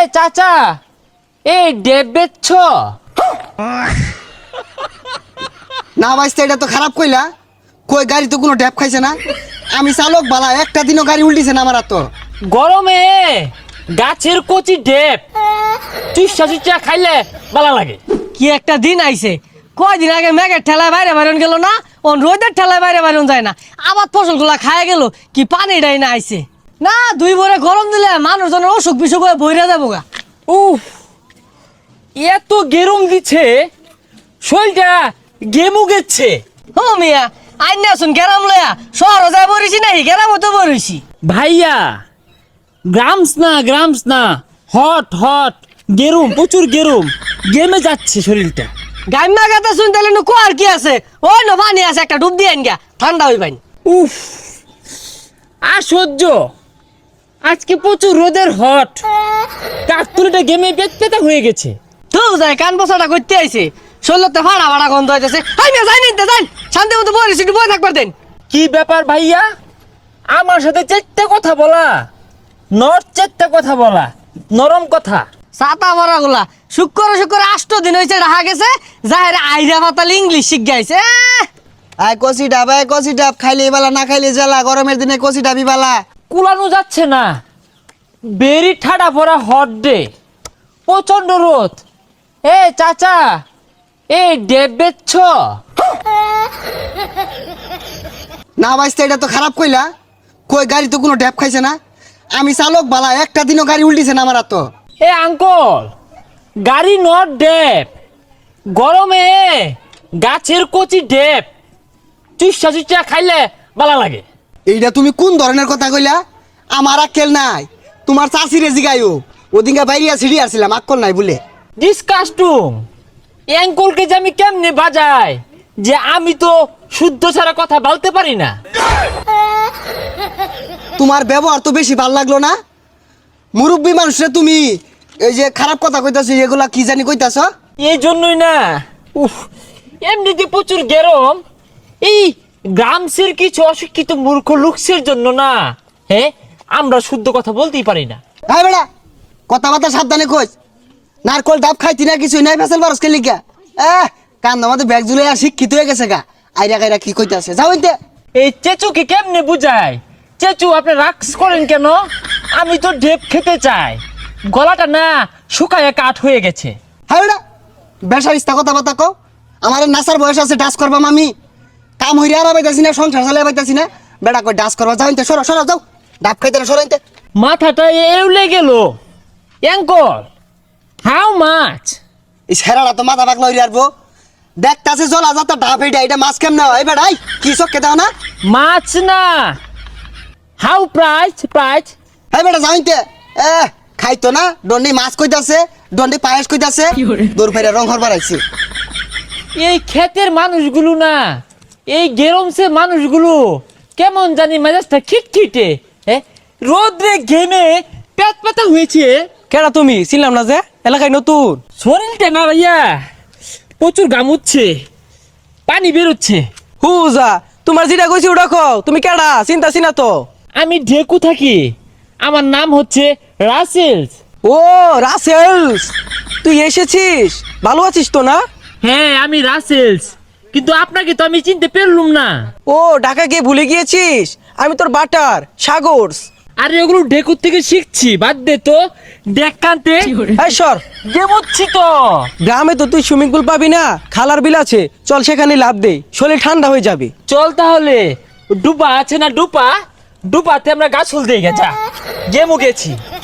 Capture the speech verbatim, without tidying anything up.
চাচা এই ডেব বেচছ? না ভাইস্তা, এটা তো খারাপ কইলা। কই গাড়ি তো কোনো ড্যাপ খাইছে না। আমি চালক বালা, একটা দিনও গাড়ি উল্টিছে না আমার। আর তো গরমে গাছের কচি ডেব চুষা চুষা খাইলে ভালো লাগে। কি একটা দিন আইছে, কয়দিন আগে মেঘের ঠেলায় বাইরে বাইরন গেল না, ও রোদের ঠেলায় বাইরে বাইরন যায় না, আবার ফসলগুলা খায় গেল। কি পানিটাই না আইছে না, দুই ভরে গরম দিলে মানুষজনের অসুখ বিসুখ হয়ে বইরা যাবো গা। উফ, এত গেরম দিচ্ছে, শরীরটা গেমু গেছে। ও মিয়া, আইন আসুন গেরাম লয়া শহর যায় বরিছি নাই, গেরাম তো বরিছি। ভাইয়া গ্রামস না গ্রামস না, হট হট গেরুম, প্রচুর গেরুম, গেমে যাচ্ছে শরীরটা। গাইমা গাতা শুন তাহলে নু কোয়ার কি আছে, ওই ন পানি আছে, একটা ডুব দিয়ে গা, ঠান্ডা হই পানি। উফ, আর সহ্য। আজকে প্রচুর রোদের হট, কাকতুলিটা গেমে পেতপেতা হয়ে গেছে। তো যায় কান বসাটা করতে আইছে, শরীরতে ফাড়া ফাড়া গন্ধ হইতেছে। আই মিয়া যাই নিতে যাই, শান্তি মতো বরিছি, একটু বই থাকবার দেন। কি ব্যাপার ভাইয়া, আমার সাথে চারটে কথা বলা, নর চারটে কথা বলা, নরম কথা। ছাতা ভরা গুলা শুক্র শুক্র আষ্ট দিন হয়েছে রাখা গেছে, যাহের আইরা পাতাল ইংলিশ শিখ গাইছে। আয় কষি ডাব, আয় কষি ডাব, খাইলে বালা না খাইলে জ্বালা। গরমের দিনে কষি ডাবি বালা। কুলানো যাচ্ছে না, বেরি ঠাডা পড়া হট ডে, প্রচন্ড রোদ। এ চাচা এই ডেব বেচছ? না ভাইস্তা, এটা তো খারাপ কইলা। কই গাড়ি তো কোনো ড্যাপ খাইছে না। আমি চালক বালা, একটা দিনও গাড়ি উল্টিছে না আমার। আর তো এ আঙ্কল, গাড়ি নট ডেব, গরমে গাছের কচি ডেব চুষা চুষা খাইলে ভালো লাগে। এইটা তুমি কোন ধরনের কথা কইলা? আমার আক্কেল নাই, তোমার চাষিরে জিগাইও। ওদিনকে বাইরিয়া সিঁড়ি আসছিলাম, আক্কল নাই বলে। ডিসকাস্টুম, অ্যাঙ্কলকে যে আমি কেমনে বাজাই, যে আমি তো শুদ্ধ ছাড়া কথা বলতে পারি না। তোমার ব্যবহার তো বেশি ভাল লাগলো না। মুরব্বী মানুষরে তুমি এই যে খারাপ কথা কইতাছো, এগুলা কি জানি কইতাছ? এই জন্যই না, উফ, এমনিতে প্রচুর গরম। এই গ্রামসের কিছু অশিক্ষিত মূর্খ লোকসের জন্য না, হ্যাঁ, আমরা শুদ্ধ কথা বলতেই পারি না। হ্যাঁ বেড়া, কথাবার্তা সাবধানে কইস। নারকল ডাব খাইতি না, কিছুই নাই, ফেসাল বারসকে লিখা। এহ, কান আমাদের ব্যাগ জুলে আর শিক্ষিত হয়ে গেছে গা। আইরা গাইরা কি কইতাছে, যাও ইনতে। এই চেচুকে কেমনে বুঝায়? চেচু, আপনি রাক্স করেন কেন? আমি তো ডেপ খেতে চাই, গলাটা না শুকায় কাঠ হয়ে গেছে। হ্যাঁ বেড়া, বেসার ইস্তা কথাবার্তা কও। আমার নাসার বয়স আছে, ডাস করবাম আমি। কাম হইরে আর পাইতাছি না, সংসার চালাই পাইতাছি না। বেড়া কই ডাস করবা, যাও ইনতে, সরো সরো, যাও। ডাব খাইতে না, সরো ইনতে। মাথাটা এউলে গেল। Uncle, how much? এই সেরাটা তো মাথা পাকলা হইরে আরবো। দেখতাছে জলা যাতা ডাব, এইটা এটা মাছ কেমনে হয় বেড়াই? কি চক্কে দাও না? মাছ না, হাউ প্রাইস প্রাইস? হ্যাঁ বেটা, যাও ইনতে। এ খাইতো না, দন্ডি মাছ কইতাছে, দন্ডি পায়েস কইতাছে, দূর ফেরে রং হরবার আইছে। এই ক্ষেতের মানুষগুলো না, এই গেরমসে মানুষগুলো কেমন জানি মেজাজটা খিটখিটে, হ্যাঁ, রোদ্রে ঘেমে পেট পাতা হয়েছে। কেডা তুমি? ছিলাম না যে এলাকায় নতুন। শরীরটা না ভাইয়া প্রচুর গামুচ্ছে, পানি বেরোচ্ছে। হুজা, তোমার যেটা কইছি ওটা কও। তুমি কেডা? চিন্তা চিনা তো। আমি ঢেকু থাকি, আমার নাম হচ্ছে রাসেলস। ও রাসেলস, তুই এসেছিস? ভালো আছিস তো না? হ্যাঁ, আমি রাসেলস, কিন্তু আপনাকে তো আমি চিনতে পারলুম না। ও ঢাকা গিয়ে ভুলে গিয়েছিস? আমি তোর বাটার সাগরস। আরে ওগুলো ঢেকুর থেকে শিখছি, বাদ দে তো। দেখ কান্তে এই সর, গেমুচ্ছি তো। গ্রামে তো তুই সুইমিং পুল পাবি না, খালার বিল আছে, চল সেখানে লাভ দে, শরীর ঠান্ডা হয়ে যাবে। চল তাহলে, ডুবা আছে না ডুপা, ডুপাতে আমরা গাছ ফুল দিয়ে গেছা, গেমু গেছি।